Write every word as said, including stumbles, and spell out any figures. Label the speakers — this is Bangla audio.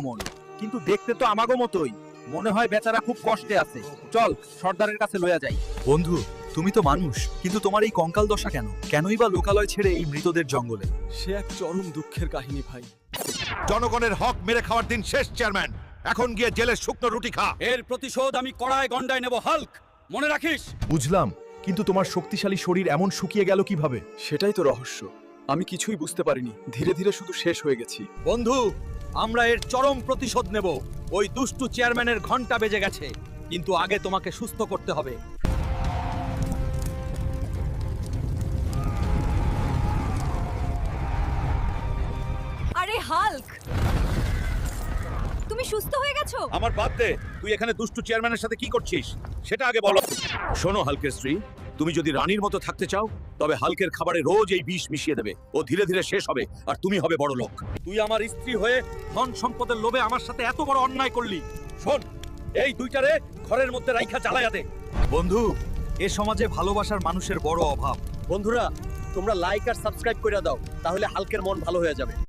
Speaker 1: মন, কিন্তু দেখতে তো আমাগো মতোই। মনে হয় বেচারা খুব কষ্টে আছে। চল সর্দারের কাছে লইয়া যাই।
Speaker 2: বন্ধু, তুমি তো মানুষ, কিন্তু তোমার এই কঙ্কাল দশা কেন? কেনই বা লোকালয় ছেড়ে এই মৃতদের জঙ্গলে?
Speaker 3: সে এক চরম দুঃখের কাহিনী ভাই।
Speaker 4: জনগণের হক মেরে খাওয়ার দিন শেষ চেয়ারম্যান। এখন গিয়ে জেলের শুকনো রুটি খা।
Speaker 3: এর প্রতিশোধ আমি কড়ায় গন্ডায় নেব হাল্ক, মনে রাখিস।
Speaker 2: বুঝলাম, কিন্তু তোমার শক্তিশালী শরীর এমন শুকিয়ে গেল কিভাবে?
Speaker 3: সেটাই তো রহস্য। আমি কিছুই বুঝতে পারিনি, ধীরে ধীরে শুধু শেষ হয়ে গেছি।
Speaker 1: বন্ধু, আমরা এর চরম প্রতিশোধ নেব। ওই দুষ্টু চেয়ারম্যানের ঘন্টা বেজে গেছে, কিন্তু আগে তোমাকে সুস্থ করতে হবে।
Speaker 5: আরে হাল্ক, তুমি সুস্থ হয়ে গেছো?
Speaker 4: আমার বাদ দে, তুই এখানে দুষ্টু চেয়ারম্যানের সাথে কি করছিস সেটা আগে বলো। শোনো হালকের স্ত্রী, তুমি যদি রানীর মতো থাকতে চাও তবে হালকের খাবারে রোজ এই বিষ মিশিয়ে দেবে। ও ধীরে ধীরে শেষ হবে আর তুমি হবে বড় লোক।
Speaker 1: তুই আমার স্ত্রী হয়ে ধন সম্পদের লোভে আমার সাথে এত বড় অন্যায় করলি।
Speaker 4: শোন, এই দুইটারে ঘরের মধ্যে রাইখা জ্বালাইয়া দে।
Speaker 2: বন্ধু, এ সমাজে ভালোবাসার মানুষের বড় অভাব।
Speaker 3: বন্ধুরা, তোমরা লাইক আর সাবস্ক্রাইব করে দাও, তাহলে হাল্কের মন ভালো হয়ে যাবে।